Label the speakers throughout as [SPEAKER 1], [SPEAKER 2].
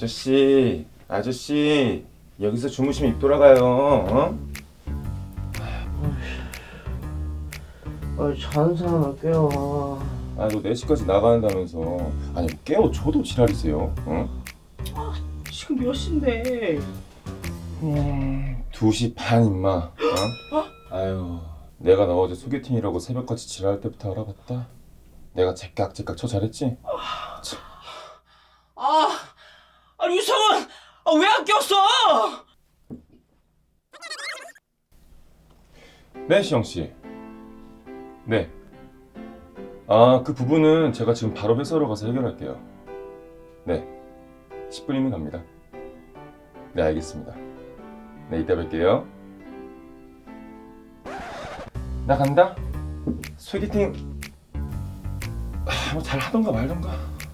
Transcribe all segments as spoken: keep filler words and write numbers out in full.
[SPEAKER 1] 아저씨, 아저씨, 여기서 주무시면 입 돌아가요. 어?
[SPEAKER 2] 아, 자는 사람을 깨워.
[SPEAKER 1] 아, 너 네 시까지 나가는다면서. 아니, 깨워줘도 지랄이세요. 어?
[SPEAKER 2] 지금 몇 시인데?
[SPEAKER 1] 음, 두 시 반 임마. 어? 아유, 내가 너 어제 소개팅이라고 새벽까지 지랄할 때부터 알아봤다. 내가 제깍제깍 쳐 잘했지? 참.
[SPEAKER 2] 아, 아 유성은 아, 왜 안 꼈어?
[SPEAKER 1] 네, 시영씨. 네. 아, 그 부분은 제가 지금 바로 회사로 가서 해결할게요. 네. 십 분이면 갑니다. 네, 알겠습니다. 네, 이따 뵐게요. 나 간다. 소개팅 아, 뭐 잘 하던가 말던가.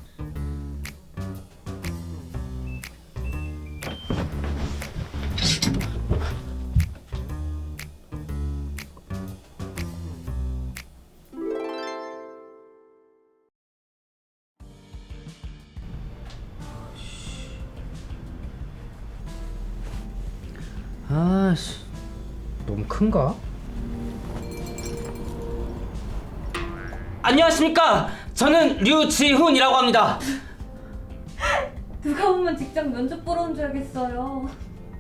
[SPEAKER 2] 아씨, 너무 큰가? 안녕하십니까? 저는 류지훈이라고 합니다.
[SPEAKER 3] 누가 보면 직접 면접 보러 온 줄 알겠어요.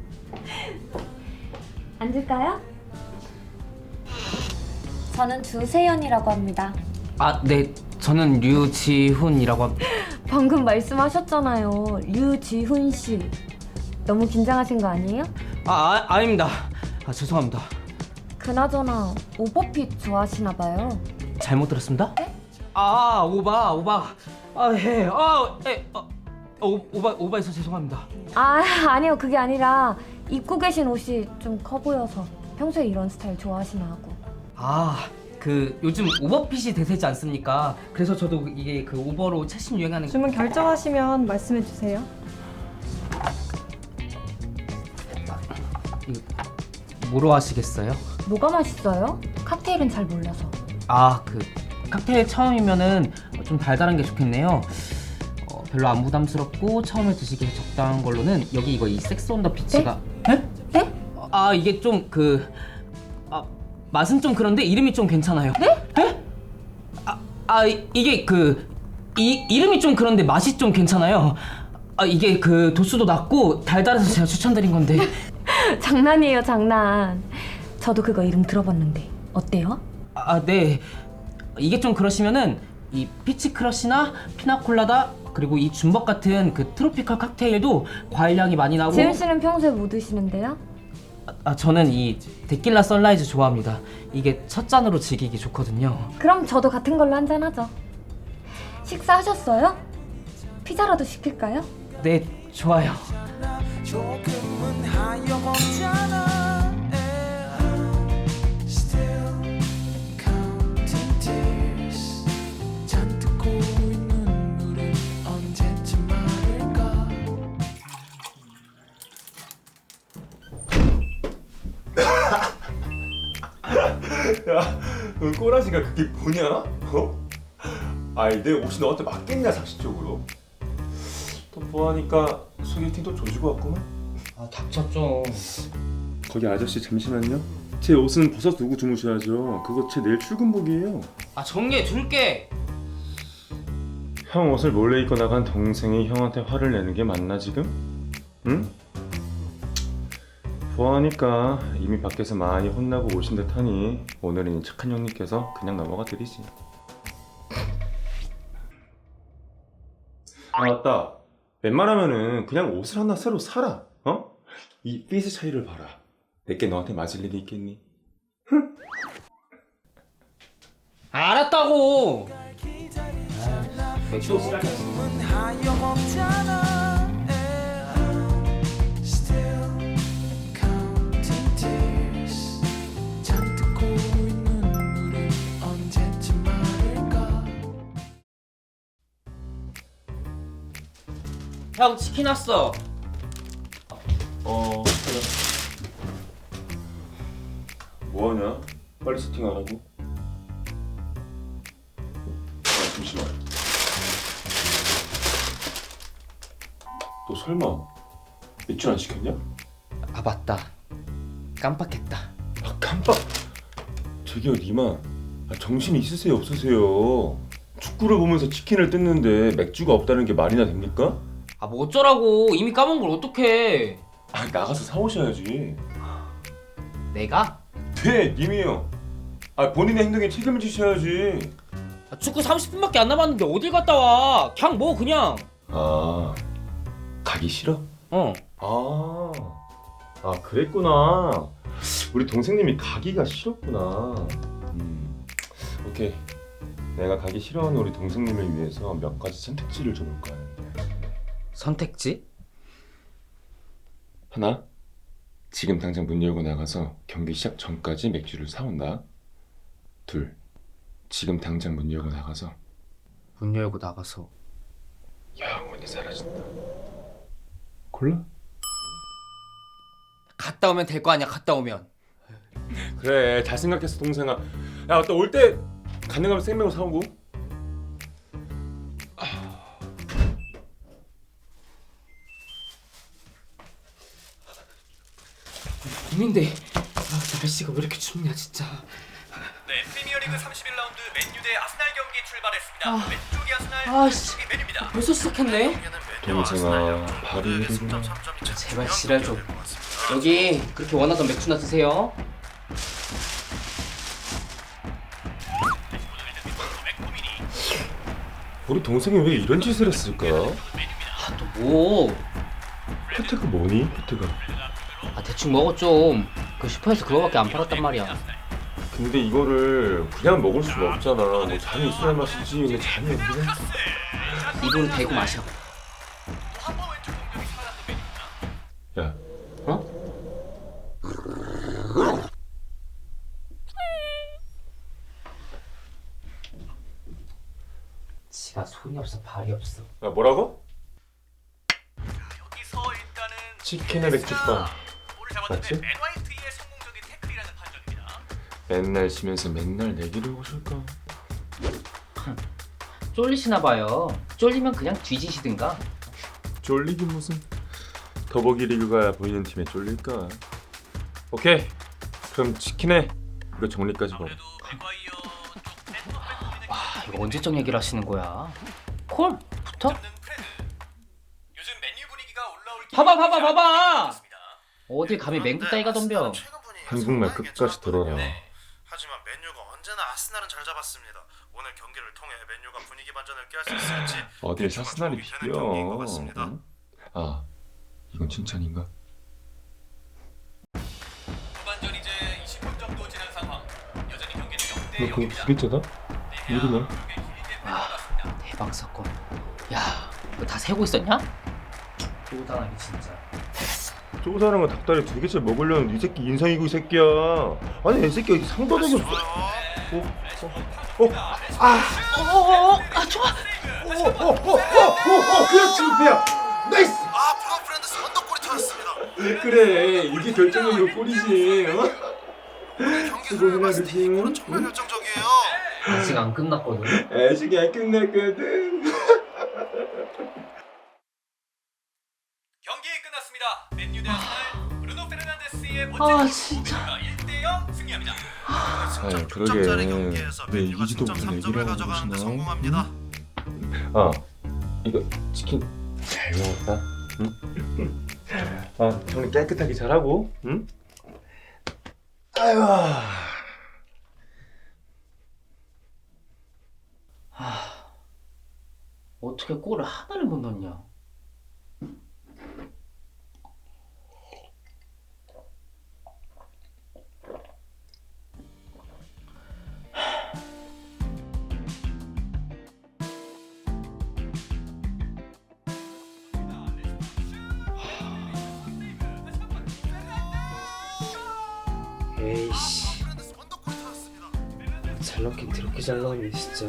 [SPEAKER 3] 앉을까요? 저는 주세연이라고 합니다.
[SPEAKER 2] 아, 네, 저는 류지훈이라고 합니다.
[SPEAKER 3] 방금 말씀하셨잖아요. 류지훈 씨. 너무 긴장하신 거 아니에요?
[SPEAKER 2] 아, 아 아닙니다. 아, 죄송합니다.
[SPEAKER 3] 그나저나 오버핏 좋아하시나 봐요.
[SPEAKER 2] 잘못 들었습니다?
[SPEAKER 3] 네?
[SPEAKER 2] 아, 오바, 오바. 아, 예, 아, 예, 어, 오, 오바, 오바해서 죄송합니다.
[SPEAKER 3] 아, 아니요. 그게 아니라 입고 계신 옷이 좀 커 보여서 평소에 이런 스타일 좋아하시나 하고.
[SPEAKER 2] 아, 그 요즘 오버핏이 대세지 않습니까? 그래서 저도 이게 그 오버로 최신 유행하는
[SPEAKER 4] 주문 결정하시면 말씀해 주세요.
[SPEAKER 2] 이거 뭐로 하시겠어요?
[SPEAKER 3] 뭐가 맛있어요? 칵테일은 잘 몰라서.
[SPEAKER 2] 아, 그 칵테일 처음이면은 좀 달달한 게 좋겠네요. 어, 별로 안 부담스럽고 처음에 드시기에 적당한 걸로는 여기 이거 이 섹스 온 더 피치가 네?
[SPEAKER 3] 네?
[SPEAKER 2] 아, 이게 좀 그 아, 맛은 좀 그런데 이름이 좀 괜찮아요.
[SPEAKER 3] 네?
[SPEAKER 2] 네? 아, 아 이- 이게 그 이, 이름이 좀 그런데 맛이 좀 괜찮아요. 아, 이게 그 도수도 낮고 달달해서 제가 추천드린 건데.
[SPEAKER 3] 장난이에요, 장난. 저도 그거 이름 들어봤는데 어때요?
[SPEAKER 2] 아, 네. 이게 좀 그러시면은 이 피치 크러쉬나 피나콜라다 그리고 이 줌벅 같은 그 트로피컬 칵테일도 과일향이 많이 나고.
[SPEAKER 3] 지훈 씨는 평소에 뭐 드시는데요?
[SPEAKER 2] 아, 저는 이 데킬라 선라이즈 좋아합니다. 이게 첫 잔으로 즐기기 좋거든요.
[SPEAKER 3] 그럼 저도 같은 걸로 한잔 하죠. 식사하셨어요? 피자라도 시킬까요?
[SPEAKER 2] 네, 좋아요.
[SPEAKER 5] 조금은 하염없잖아. Still counting tears. 잔뜩 고인 눈물을 언제쯤 마를까.
[SPEAKER 1] 야, 넌 꼬라지가 그게 뭐냐? 어? 아이, 내 옷이 너한테 맞겠냐, 상식적으로? 또 뭐하니까 소개팅도 조지고 왔구만.
[SPEAKER 2] 아, 닥쳤죠.
[SPEAKER 1] 거기 아저씨 잠시만요. 제 옷은 벗어 두고 주무셔야죠. 그거 제 내일 출근복이에요.
[SPEAKER 2] 아, 정리해 줄게.
[SPEAKER 1] 형 옷을 몰래 입고 나간 동생이 형한테 화를 내는 게 맞나 지금? 응? 보아하니까 이미 밖에서 많이 혼나고 오신 듯하니 오늘은 이 착한 형님께서 그냥 넘어가 드리지. 아, 맞다. 웬만하면은 그냥 옷을 하나 새로 사라. 어? 이 핏의 차이를 봐라. 내게 너한테 맞을 일이 있겠니?
[SPEAKER 2] 알았다고.
[SPEAKER 5] 조금은 하염없잖아. Still counting tears. 잔뜩 고인 눈물을 언제쯤 마를까.
[SPEAKER 2] 형, 치킨 왔어.
[SPEAKER 1] 어, 그래. 뭐하냐? 빨리 세팅하라고. 아, 잠시만. 너 설마 맥주 안 시켰냐?
[SPEAKER 2] 아 맞다. 깜빡했다.
[SPEAKER 1] 아 깜빡. 저기요 리마, 아, 정신이 있으세요 없으세요? 축구를 보면서 치킨을 뜯는데 맥주가 없다는 게 말이나 됩니까?
[SPEAKER 2] 아 뭐 어쩌라고. 이미 까먹은 걸 어떡해.
[SPEAKER 1] 아 나가서 사오셔야지.
[SPEAKER 2] 내가?
[SPEAKER 1] 네 님이요. 아 본인의 행동에 책임을 지셔야지.
[SPEAKER 2] 아, 축구 삼십 분밖에 안 남았는데 어딜 갔다 와. 그냥 뭐 그냥.
[SPEAKER 1] 아 가기 싫어?
[SPEAKER 2] 어.
[SPEAKER 1] 아, 아 그랬구나. 우리 동생님이 가기가 싫었구나. 음, 오케이. 내가 가기 싫어하는 우리 동생님을 위해서 몇 가지 선택지를 줘볼까 하는데.
[SPEAKER 2] 선택지?
[SPEAKER 1] 하나, 지금 당장 문 열고 나가서 경기 시작 전까지 맥주를 사온다. 둘, 지금 당장 문 열고 나가서
[SPEAKER 2] 문 열고 나가서
[SPEAKER 1] 영원히 사라진다. 골라?
[SPEAKER 2] 갔다 오면 될 거 아니야. 갔다 오면.
[SPEAKER 1] 그래 잘 생각했어 동생아. 야 맞다 올 때 가능하면 생맥으로 사오고.
[SPEAKER 2] 봄인데 아, 날씨가 왜 이렇게 춥냐 진짜.
[SPEAKER 6] 네, 프리미어리그 삼십일 라운드 맨유 대 아스날 경기 출발했습니다.
[SPEAKER 2] 아.
[SPEAKER 6] 왼쪽이 아스날,
[SPEAKER 2] 아씨.
[SPEAKER 6] 오른쪽이 맨유입니다.
[SPEAKER 2] 벌써 시작했네.
[SPEAKER 1] 동생아 발이 흐르구나.
[SPEAKER 2] 제발 지랄 좀. 여기 그렇게 원하던 맥주나 드세요.
[SPEAKER 1] 우리 동생이 왜 이런 짓을 했을까?
[SPEAKER 2] 아 또 뭐?
[SPEAKER 1] 혜태가 뭐니? 혜태가.
[SPEAKER 2] 아 대충 먹어 좀. 그 슈퍼에서 그거밖에 안 팔았단 말이야.
[SPEAKER 1] 근데 이거를 그냥 먹을 수가 없잖아. 뭐 잔이 있어야 마시지. 근데 잔이 없네.
[SPEAKER 2] 입으로 대고 마셔.
[SPEAKER 6] 한번 왼쪽 공격이 살았던 맨유입니다.
[SPEAKER 1] 야,
[SPEAKER 2] 어? 지가 손이 없어 발이 없어.
[SPEAKER 1] 야 뭐라고?
[SPEAKER 6] 여기서 일단은
[SPEAKER 1] 치킨에 맥주빵.
[SPEAKER 6] 볼을 잡았는데
[SPEAKER 1] 맞지?
[SPEAKER 6] 맨 화이트의 성공적인 태클이라는 판정입니다.
[SPEAKER 1] 맨날 쉬면서 맨날 내기를 오실까?
[SPEAKER 2] 쫄리시나 봐요. 쫄리면 그냥 뒤지시든가.
[SPEAKER 1] 쫄리긴 무슨. 더보기 리그가 보이는 팀에 쫄릴까? 오케이. 그럼 치킨에 이거 정리까지 봐.
[SPEAKER 6] 그래도 맥과이어 쪽 센터백 보이는
[SPEAKER 2] 와 이거 언제적 얘기를 하시는 거야? 콜? 붙어?
[SPEAKER 6] 없는 프레드. 요즘 맨유 분위기가 올라올 기
[SPEAKER 2] 봐봐 봐봐 봐봐.
[SPEAKER 6] 있습니다.
[SPEAKER 2] 어딜 감히 맹구 따위가 덤벼.
[SPEAKER 1] 한국말 끝까지 들어라.
[SPEAKER 7] 하지만 맨유가 언제나 아스날은 잘 잡았습니다. 오늘 경기를 통해 맨유가 분위기 반전을 꾀할 수 있을지
[SPEAKER 1] 어딜 사스날이
[SPEAKER 7] 주목이 되는 경기인 것
[SPEAKER 1] 비벼.
[SPEAKER 7] 같습니다.
[SPEAKER 1] 응? 아, 이건 칭찬인가?
[SPEAKER 6] 후반전 이제 이십 분 정도 지난 상황. 여전히 경기는 영 대
[SPEAKER 1] 너 그거
[SPEAKER 6] 영입니다.
[SPEAKER 1] 부딪혀다? 이리나?
[SPEAKER 2] 아 대박 사건. 야 이거 다 세고 있었냐? 도단하게 진짜.
[SPEAKER 1] 저 사람은 닭다리 두 개째 먹으려는 이 새끼 인상이고 이 새끼야. 아니 이 새끼 상도덕이 없어.
[SPEAKER 2] 어어어 아 좋아.
[SPEAKER 1] 어, 그렇지 배야. 나이스.
[SPEAKER 7] 아 브루노 프렌드스 언더골이 터졌습니다.
[SPEAKER 1] 그래 이게 결정적인 골이지. 어?
[SPEAKER 7] 오늘 경기 흐름을 봤을 때 이
[SPEAKER 1] 그거는
[SPEAKER 7] 골은 정말 결정적이에요.
[SPEAKER 2] 아직 안 끝났거든.
[SPEAKER 1] 아직 안 끝났거든.
[SPEAKER 6] 경기 끝났습니다. 맨유 대 아스날. 브루노 페르난데스의
[SPEAKER 2] 아,
[SPEAKER 6] 멋진
[SPEAKER 2] 진짜.
[SPEAKER 6] 일 대 영 승리합니다.
[SPEAKER 7] 승점
[SPEAKER 1] 아유,
[SPEAKER 7] 득점짜리
[SPEAKER 1] 그러게.
[SPEAKER 7] 경기에서
[SPEAKER 1] 왜
[SPEAKER 7] 맨유가
[SPEAKER 1] 이기지도
[SPEAKER 7] 승점
[SPEAKER 1] 못하는
[SPEAKER 7] 삼 점을
[SPEAKER 1] 얘기를 하고
[SPEAKER 7] 가져가는데
[SPEAKER 1] 계시나?
[SPEAKER 7] 성공합니다.
[SPEAKER 1] 아 이거 치킨 잘 먹었다. 응? 아 정리 깨끗하게 잘하고. 응? 아유.
[SPEAKER 2] 어떻게 골을 하나를 못 넣냐? 에이씨
[SPEAKER 7] 프렌드스 언더골이 터졌습니다.
[SPEAKER 2] 잘 넣긴 더럽게 잘 넣었네 진짜.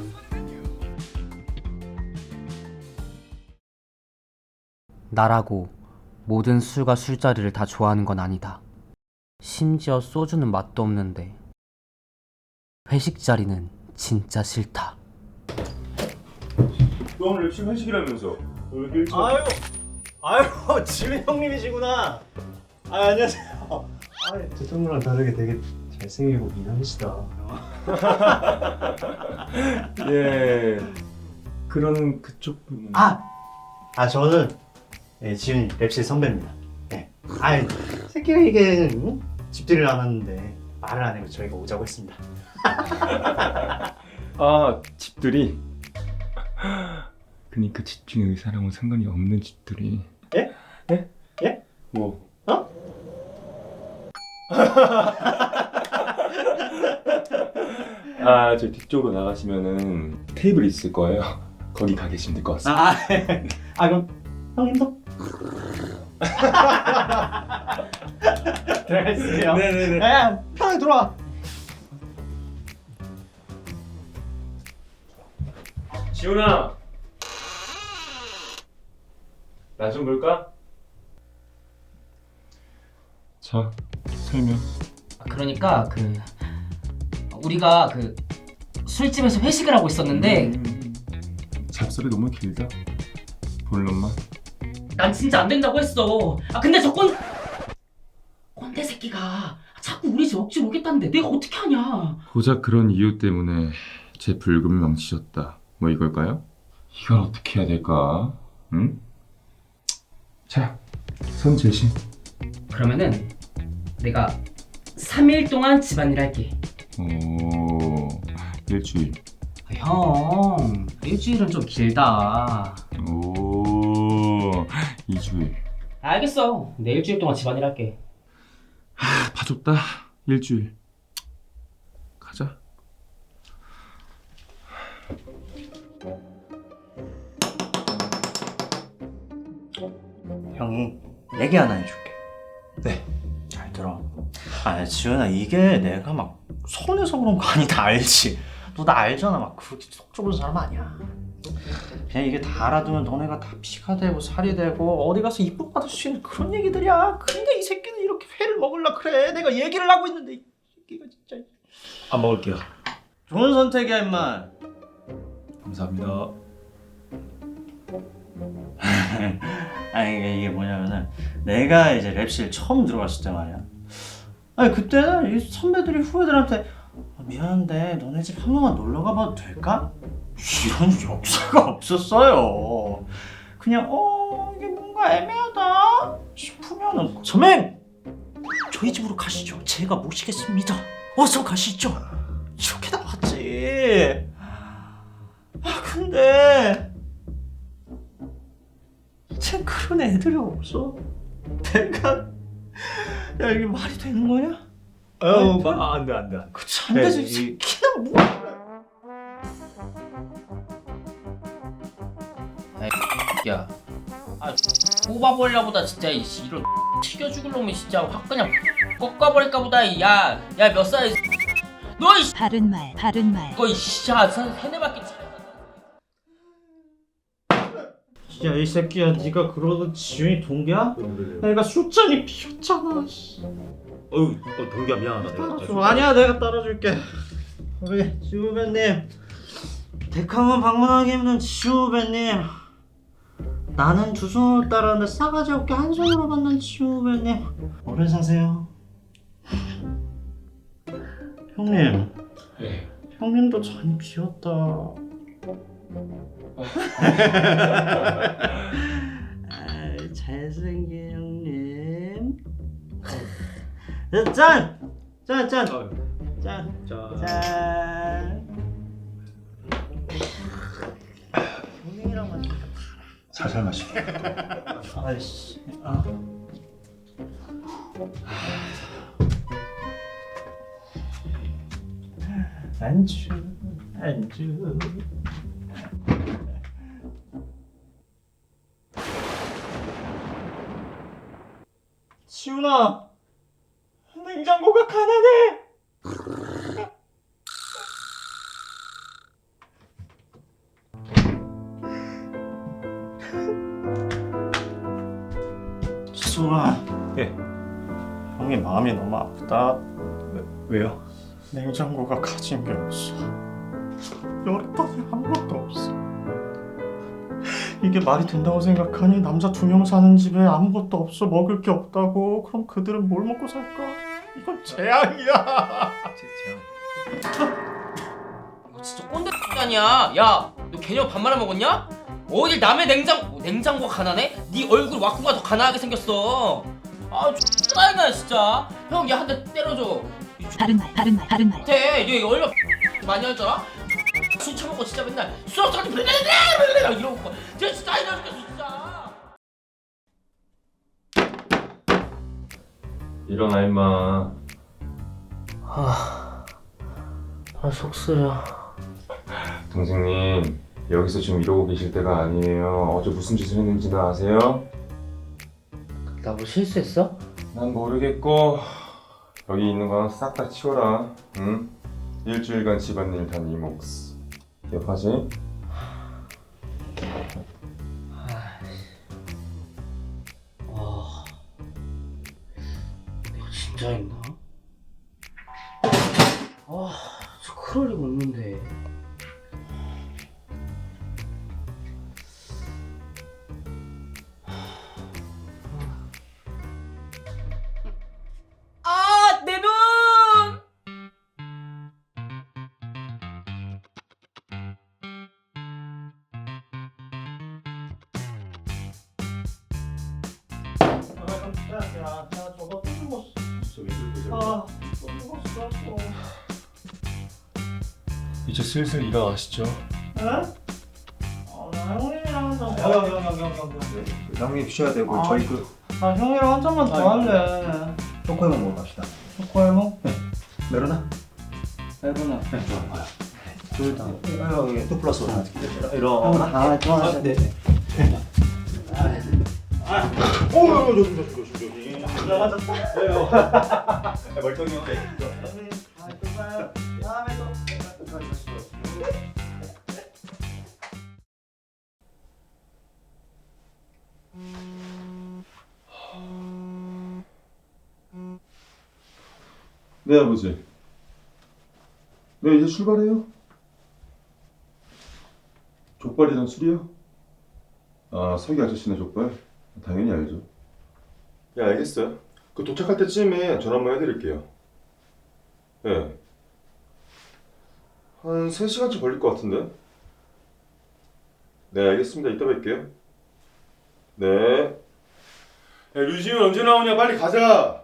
[SPEAKER 2] 나라고 모든 술과 술자리를 다 좋아하는 건 아니다. 심지어 소주는 맛도 없는데 회식 자리는 진짜 싫다.
[SPEAKER 1] 너 오늘 열심히 회식이라면서. 왜 이렇게 일찍
[SPEAKER 8] 아유, 아유, 지훈 형님이시구나. 아, 안녕하세요. 아, 대통령랑 다르게 되게 잘생기고 미남이시다.
[SPEAKER 1] 예. 그러는 그쪽 분은
[SPEAKER 8] 아, 아 저는 예, 지훈이 랩실 선배입니다. 예. 아, 새끼가 이게 응? 집들이를 안 왔는데 말을 안 해고 저희가 오자고 했습니다.
[SPEAKER 1] 아, 집들이. 그니까 집중의 의사랑은 상관이 없는 집들이.
[SPEAKER 8] 예?
[SPEAKER 1] 예?
[SPEAKER 8] 예?
[SPEAKER 1] 뭐?
[SPEAKER 8] 어?
[SPEAKER 1] 아, 저 뒤쪽으로 나가시면은 테이블 있을 거예요. 거기 가 계시면 될 것 같습니다.
[SPEAKER 8] 아, 아 그럼 형님도 들어가시죠.
[SPEAKER 1] 네네네.
[SPEAKER 8] 야, 편하게 들어와.
[SPEAKER 1] 지훈아, 나 좀 볼까? 자, 설명.
[SPEAKER 2] 그러니까 그 우리가 그 술집에서 회식을 하고 있었는데
[SPEAKER 1] 음, 잡설이 너무 길다. 본론만.
[SPEAKER 2] 난 진짜 안 된다고 했어. 아 근데 저건 꼰대 새끼가 자꾸 우리 집 억지로 오겠다는데 내가 어떻게 하냐.
[SPEAKER 1] 고작 그런 이유 때문에 제 불금을 망치셨다. 뭐 이걸까요? 이걸 어떻게 해야 될까? 응? 자, 손 제시.
[SPEAKER 2] 그러면은 내가 삼 일 동안 집안일 할게.
[SPEAKER 1] 오, 일주일.
[SPEAKER 2] 아, 형 일주일은 좀 길다.
[SPEAKER 1] 오, 이주일.
[SPEAKER 2] 알겠어. 내 일주일 동안 집안일 할게.
[SPEAKER 1] 아, 봐줬다. 일주일. 가자.
[SPEAKER 8] 형이 얘기 하나 해줄게.
[SPEAKER 1] 네.
[SPEAKER 8] 잘 들어. 아, 지훈아, 이게 내가 막 손해서 그런 거 아니다, 알지? 너 나 알잖아. 막 그렇게 속 좁은 사람 아니야. 그냥 이게 다 알아두면 너네가 다 피가 되고 살이 되고 어디 가서 이쁨 받을 수 있는 그런 얘기들이야. 근데 이 새끼는 이렇게 회를 먹으려 그래. 내가 얘기를 하고 있는데 이 새끼가 진짜. 안 먹을게요. 좋은 선택이야, 임마.
[SPEAKER 1] 감사합니다.
[SPEAKER 8] 아니 이게, 이게 뭐냐면은 내가 이제 랩실 처음 들어갔을 때 말이야. 아니 그때는 이 선배들이 후배들한테 아, 미안한데 너네 집 한 번만 놀러 가봐도 될까? 이런 역사가 없었어요. 그냥 어 이게 뭔가 애매하다 싶으면은 선배님 저희 집으로 가시죠. 제가 모시겠습니다. 어서 가시죠. 이렇게 나왔지. 아 근데 쟤 그런 애들이 없어. 내가 야 이게 말이 되는 거냐?
[SPEAKER 9] 어, 마, 안 돼, 안 돼. 안 돼.
[SPEAKER 8] 그 잠대서
[SPEAKER 9] 네,
[SPEAKER 8] 이
[SPEAKER 9] 이-
[SPEAKER 8] 새끼는 뭐?
[SPEAKER 2] 야, 아 뽑아버리려보다 진짜 이 씨, 이런 튀겨 죽을 놈이 진짜 확 그냥 꺾어버릴까 보다. 야, 야 몇 살? 너이
[SPEAKER 10] 바른 말, 바른 말.
[SPEAKER 2] 거이 씨야 세네 바퀴.
[SPEAKER 8] 야 이 새끼야 네가 그러던 지훈이 동기야? 내가 술잔이 비었잖아.
[SPEAKER 9] 어우, 어, 동기야 미안하다. 내가.
[SPEAKER 8] 따라줘. 아니야 내가 따라줄게. 우리 지우 후배님 백화문 방문하기 힘든 지우 후배님. 나는 두 손으로 따르는데 싸가지 없게 한 손으로 받는 지우 후배님. 오래 사세요. 형님.
[SPEAKER 1] 네.
[SPEAKER 8] 형님도 잔이 비었다. 아이, 잘생긴 형님. 짠! 짠! 짠!
[SPEAKER 9] 어,
[SPEAKER 8] 짠!
[SPEAKER 9] 자,
[SPEAKER 8] 짠! 형님이랑 마시니까
[SPEAKER 9] 살살 마시.
[SPEAKER 8] 아이씨. 아. 안주, 안주. 지훈아, 냉장고가 가난해. 지훈아,
[SPEAKER 9] 예.
[SPEAKER 8] 형이 마음이 너무 아프다.
[SPEAKER 9] 왜요?
[SPEAKER 8] 냉장고가 가진 게 없어. 열었더니 아무것도 없어. 이게 말이 된다고 생각하니? 남자 두 명 사는 집에 아무것도 없어, 먹을 게 없다고. 그럼 그들은 뭘 먹고 살까? 이건 재앙이야.
[SPEAKER 2] 이거 진짜 꼰대 아니야. 야, 너 개념 밥 말아 먹었냐? 어딜 남의 냉장 뭐, 냉장고가 가난해? 네 얼굴 와꾸가 더 가난하게 생겼어. 아, 짜증나 진짜. 형, 얘 한 대 때려줘.
[SPEAKER 10] 바른 말, 바른 말, 바른 말.
[SPEAKER 2] 돼. 얘 얼마 많이 할 줄 알아? 술 처먹고 진짜 맨날 술 없어가지고 이러고 진짜 진짜 짜증나 죽겠어 진짜.
[SPEAKER 1] 일어나 임마.
[SPEAKER 2] 아, 아 속쓰려.
[SPEAKER 1] 동생님, 여기서 지금 이러고 계실 때가 아니에요. 어제 무슨 짓을 했는지는 아세요?
[SPEAKER 2] 나 뭐 실수했어?
[SPEAKER 1] 난 모르겠고 여기 있는 건 싹 다 치워라. 응? 일주일간 집안일 다 네 몫. 기억하지?
[SPEAKER 2] 와, 내가 진짜 했나? 아, 저 그럴 리가 없는데. 아, 내 눈!
[SPEAKER 8] 야, 야, 야, 저거 또 죽었어. 아, 또 죽었어. 또.
[SPEAKER 1] 이제 슬슬 일어나시죠.
[SPEAKER 8] 에? 아, 나 형님이랑 한잔 더.
[SPEAKER 9] 형형형형형 형님 쉬어야 되고
[SPEAKER 8] 아,
[SPEAKER 9] 저희 그
[SPEAKER 8] 아, 형이랑 한 잔만 더 할래.
[SPEAKER 9] 초코에만 먹으러 갑시다.
[SPEAKER 8] 초코해먹?
[SPEAKER 9] 메로나?
[SPEAKER 8] 해보나.
[SPEAKER 9] 네, 좋아요.
[SPEAKER 8] 둘 다.
[SPEAKER 9] 아, 여기 또 플러스 원 이런.
[SPEAKER 8] 아, 좋아. 네.
[SPEAKER 9] 오, 조심 조심 조심 조심. 맞았다. 멀쩡히.
[SPEAKER 8] 다음에 또.
[SPEAKER 1] 네, 아버지. 네, 이제 출발해요. 족발이랑 술이요? 아, 서기 아저씨네 족발? 당연히 알죠. 예, 알겠어요. 그 도착할 때쯤에 전화 한번 해드릴게요. 예. 한 세 시간쯤 걸릴 것 같은데? 네, 알겠습니다. 이따 뵐게요. 네. 야, 류지훈 언제 나오냐? 빨리 가자!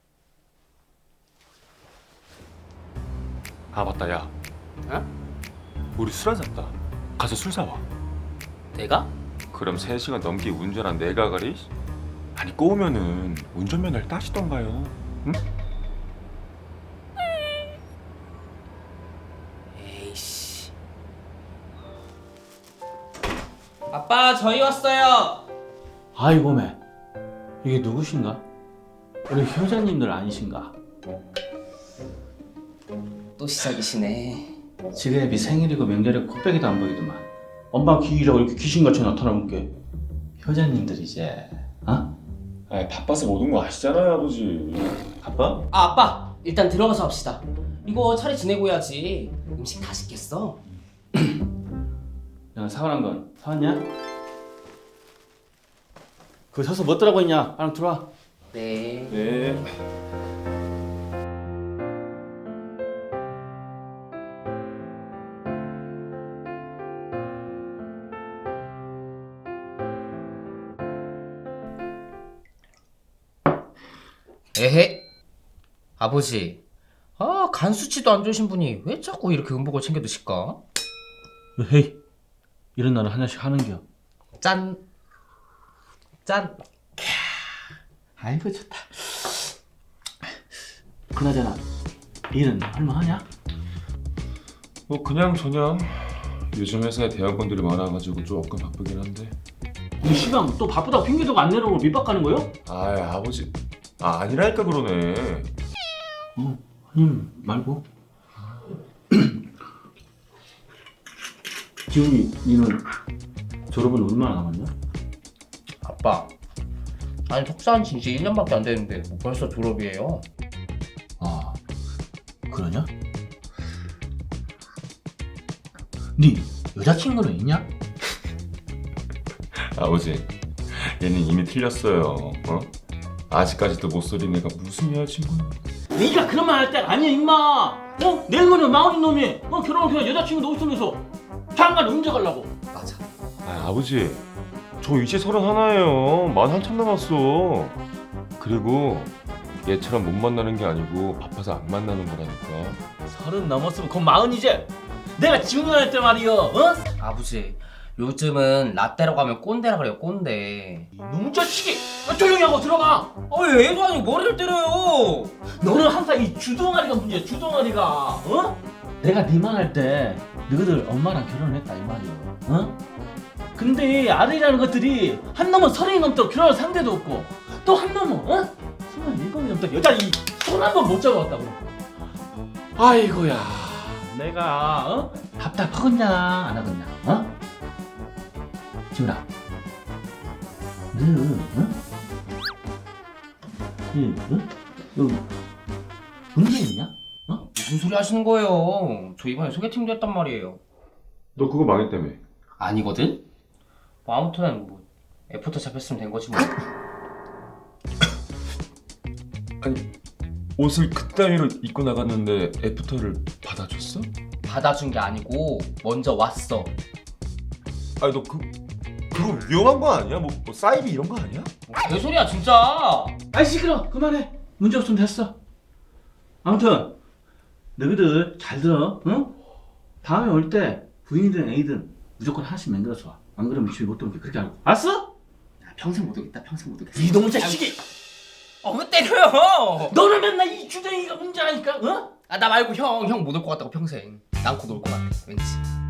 [SPEAKER 1] 아, 맞다, 야.
[SPEAKER 2] 어?
[SPEAKER 1] 우리 술 한잔다. 가서 술 사와.
[SPEAKER 2] 내가?
[SPEAKER 1] 그럼 세 시간 넘게 운전한 내가 가리? 아니, 꼬우면은 운전면허를 따시던가요. 응?
[SPEAKER 2] 에이씨. 아빠, 저희 왔어요.
[SPEAKER 11] 아이고 매 이게 누구신가? 우리 효자님들 아니신가?
[SPEAKER 2] 또 시작이시네.
[SPEAKER 11] 지뢰비 생일이고 명절에 코빼기도 안 보이더만 엄마 귀이라고 이렇게 귀신같이 나타나면 게 효자님들이지. 어?
[SPEAKER 1] 아, 바빠서 못 온 거 아시잖아요, 아버지.
[SPEAKER 11] 바빠?
[SPEAKER 2] 아, 아빠, 일단 들어가서 합시다. 이거 차례 지내고 해야지. 음식 다 식겠어.
[SPEAKER 11] 내가 사오란 건 사왔냐? 그거 서서 뭐 떠라고 했냐? 빨리 들어와.
[SPEAKER 2] 네.
[SPEAKER 1] 네.
[SPEAKER 2] 에헤. 아버지, 아, 간 수치도 안 좋으신 분이 왜 자꾸 이렇게 음복을 챙겨 드실까?
[SPEAKER 11] 헤이 이런 날은 하나씩 하는겨.
[SPEAKER 2] 짠. 짠.
[SPEAKER 11] 아이고 좋다. 그나저나 일은 할만하냐?
[SPEAKER 1] 뭐 그냥 저냥 요즘 회사에 대학원들이 많아가지고 조금 바쁘긴 한데.
[SPEAKER 11] 이 시간 또 바쁘다고 핑계대고 안 내려오고 밑밥 가는 거요?
[SPEAKER 1] 아, 아버지. 아, 아니라니까 그러네.
[SPEAKER 11] 어, 아님 말고. 지훈이, 니는 졸업은 얼마나 남았냐?
[SPEAKER 2] 아빠, 아니 석사한 지 이제 일 년밖에 안 됐는데 뭐 벌써 졸업이에요?
[SPEAKER 11] 아, 그러냐? 니 여자친구는 있냐?
[SPEAKER 1] 아버지, 얘는 이미 틀렸어요. 어? 아직까지도 못 소린 애가 무슨 여자친구야?
[SPEAKER 11] 네가 그런 말 할 때가 아니야 임마. 어? 내일모레 마흔인 놈이 어 결혼을 그냥 여자친구도 없으면서 장가를 언제 가려고?
[SPEAKER 2] 맞아.
[SPEAKER 1] 아, 아버지, 저 이제 서른 하나예요. 만 한참 남았어. 그리고 얘처럼 못 만나는 게 아니고 바빠서 안 만나는 거라니까.
[SPEAKER 11] 서른 넘었으면 곧 마흔이지. 내가 지금 할 때 말이여. 어?
[SPEAKER 2] 아버지, 요즘은 라떼라고 하면 꼰대라 그래요, 꼰대.
[SPEAKER 11] 이놈 자식이. 아, 조용히 하고 들어가.
[SPEAKER 2] 아, 왜 애도 아니고 머리를 때려요?
[SPEAKER 11] 너는 항상 이 주둥아리가 문제야. 주둥아리가. 어? 내가 네만 할 때 너희들 엄마랑 결혼을 했다 이 말이야. 어? 근데 아들이라는 것들이 한 놈은 서른이 넘도록 결혼할 상대도 없고 또 한 놈은 어? 스물일곱이 넘도록 여자 이 손 한 번 못 잡아왔다고. 아이고야. 내가 어? 답답하겠냐 안 하겠냐? 어? 지훈아. 너 어? 응? 응? 너 문제 있냐? 어?
[SPEAKER 2] 무슨 소리 하시는 거예요? 저 이번에 소개팅도 했단 말이에요.
[SPEAKER 1] 너 그거 망했다며.
[SPEAKER 2] 아니거든? 뭐 아무튼 뭐 애프터 잡혔으면 된 거지 뭐.
[SPEAKER 1] 아니, 옷을 그따위로 입고 나갔는데 애프터를 받아줬어?
[SPEAKER 2] 받아준 게 아니고 먼저 왔어.
[SPEAKER 1] 아니, 너 그, 그거 위험한 거 아니야? 뭐, 뭐 사이비 이런 거 아니야?
[SPEAKER 2] 뭐 개소리야 진짜.
[SPEAKER 11] 아이 시끄러. 그만해. 문제 없으면 됐어. 아무튼 너희들 잘 들어. 응? 다음에 올 때 부인이든 애이든 무조건 하나씩 만들어서 와. 안 그러면 집에 못 들어오게 그렇게 알고. 알았어?
[SPEAKER 2] 평생 못 오겠다. 평생 못 오겠어.
[SPEAKER 11] 이놈 자식이.
[SPEAKER 2] 어, 왜 때려요?
[SPEAKER 11] 너는 맨날 이 주댕이가 문제라니까. 어?
[SPEAKER 2] 아, 나 말고 형, 형 못 올 것 같다고 평생. 난 곧 올 것 같아. 왠지.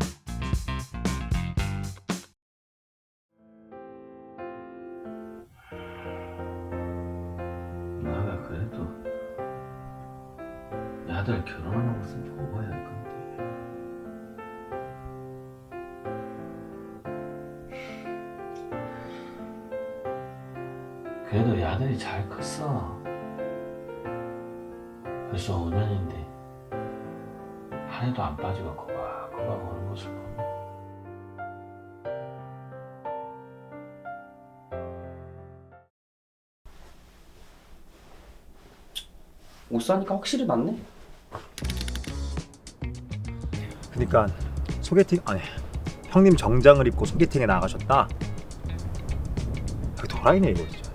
[SPEAKER 11] 나가 그래도 내 아들 결혼하는 것은 보고 해야 할 건데. 그래도 이 아들이 잘 컸어. 벌써 오 년인데 한 해도 안 빠지고 꼬박꼬박 오는 모습 보면
[SPEAKER 2] 옷 사니까 확실히 낫네.
[SPEAKER 9] 그러니까 소개팅 아니 형님 정장을 입고 소개팅에 나가셨다. 그 도라이네 이거 진짜.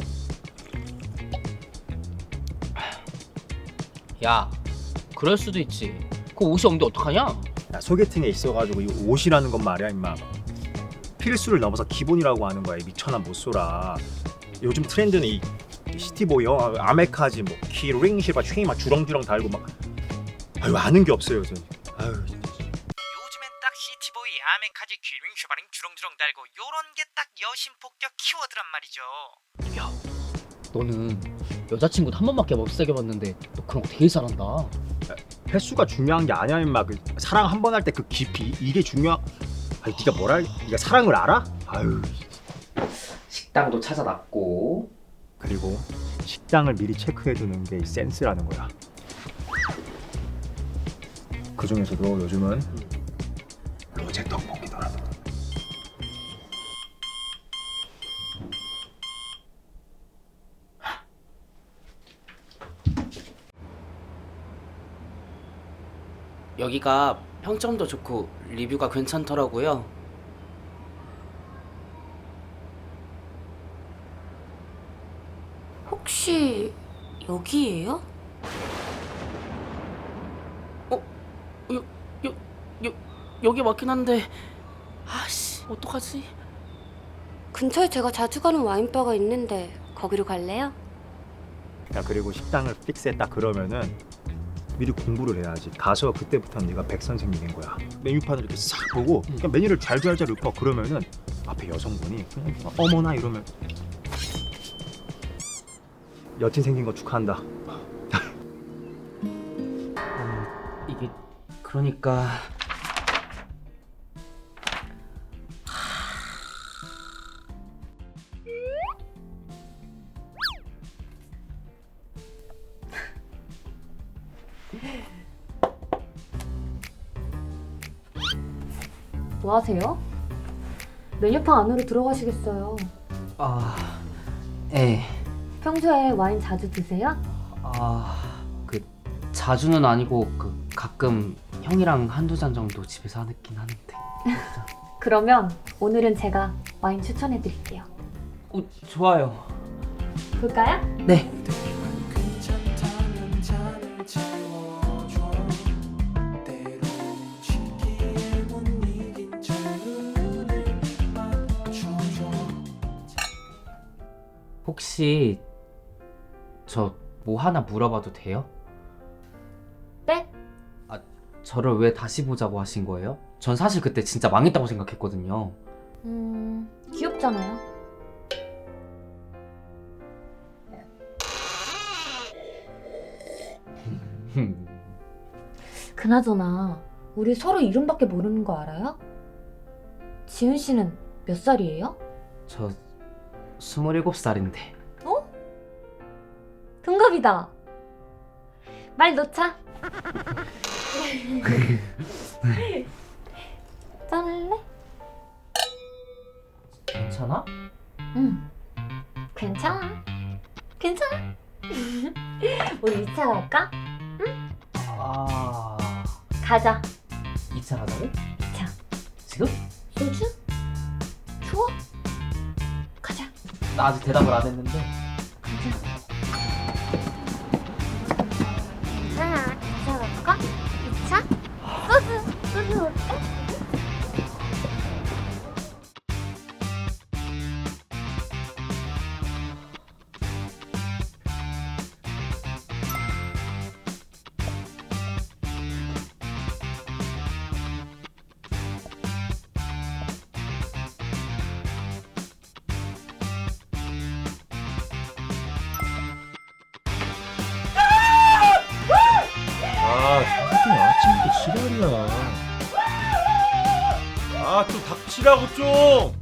[SPEAKER 2] 야, 그럴 수도 있지. 그 옷이 없는데 어떡하냐?
[SPEAKER 9] 야, 소개팅에 있어가지고 이 옷이라는 건 말이야 임마. 필수를 넘어서 기본이라고 하는 거야. 이 미천한 못소라. 요즘 트렌드는 이 시티보이요, 아메카지, 뭐 키링 실바 쉐이 막 주렁주렁 달고 막 아유 아는 게 없어요. 저. 아유.
[SPEAKER 6] 요즘엔 딱 시티보이, 아멘카지, 귀링, 슈바링, 주렁주렁 달고 요런 게 딱 여신 폭격 키워드란 말이죠.
[SPEAKER 2] 너는 여자친구도 한 번밖에 못 사귀어봤는데 너 그런 거 되게 잘한다.
[SPEAKER 9] 횟수가 중요한 게 아니야 임마. 그 사랑 한 번 할 때 그 깊이 이게 중요한. 아니 네가 뭘 알? 네가 사랑을 알아? 아유.
[SPEAKER 2] 식당도 찾아놨고.
[SPEAKER 9] 그리고 식당을 미리 체크해두는 게 센스라는 거야. 그 중에서도 요즘은 로제 떡볶이더라.
[SPEAKER 2] 여기가 평점도 좋고 리뷰가 괜찮더라고요.
[SPEAKER 3] 혹시 여기예요?
[SPEAKER 2] 어? 여, 여, 여, 여기 맞긴 한데 아씨 어떡하지?
[SPEAKER 3] 근처에 제가 자주 가는 와인바가 있는데 거기로 갈래요?
[SPEAKER 9] 야 그리고 식당을 픽스했다 그러면은 미리 공부를 해야지. 가서 그때부터는 네가 백 선생님인 거야. 메뉴판을 이렇게 싹 보고 그냥 메뉴를 잘잘잘 읊어. 그러면은 앞에 여성분이 그냥 어머나 이러면 여친 생긴 거 축하한다.
[SPEAKER 2] 이게 그러니까
[SPEAKER 3] 뭐 하세요? 메뉴판 안으로 들어가시겠어요?
[SPEAKER 2] 아, 예.
[SPEAKER 3] 평소에 와인 자주 드세요?
[SPEAKER 2] 아, 그 자주는 아니고 그 가끔 형이랑 한두 잔 정도 집에서 하긴 하는데.
[SPEAKER 3] 그러면 오늘은 제가 와인 추천해 드릴게요.
[SPEAKER 2] 어, 좋아요.
[SPEAKER 3] 볼까요?
[SPEAKER 2] 네.
[SPEAKER 5] 괜찮다면 잔을 채워줘 때론 쉽게 못 이긴 눈을 맞춰줘
[SPEAKER 2] 혹시 저 뭐 하나 물어봐도 돼요?
[SPEAKER 3] 네?
[SPEAKER 2] 아, 저를 왜 다시 보자고 하신 거예요? 전 사실 그때 진짜 망했다고 생각했거든요.
[SPEAKER 3] 음, 귀엽잖아요. 그나저나 우리 서로 이름밖에 모르는 거 알아요? 지훈 씨는 몇 살이에요?
[SPEAKER 2] 저 스물일곱 살인데.
[SPEAKER 3] 어? 동갑이다. 말 놓자. 짠할래?
[SPEAKER 2] 괜찮아?
[SPEAKER 3] 응. 괜찮아. 괜찮아. 우리 이 차 갈까?
[SPEAKER 2] 아...
[SPEAKER 3] 가자.
[SPEAKER 2] 이 차 가자고?
[SPEAKER 3] 이 차.
[SPEAKER 2] 지금?
[SPEAKER 3] 소주? 추워? 가자.
[SPEAKER 2] 나 아직 대답을 안 했는데.
[SPEAKER 3] 자, 이 차 갈까? 이 차? 소주. 소주 먹을까?
[SPEAKER 9] 아, 새끼 아침부터 지랄이야. 아, 좀 닥치라고 좀.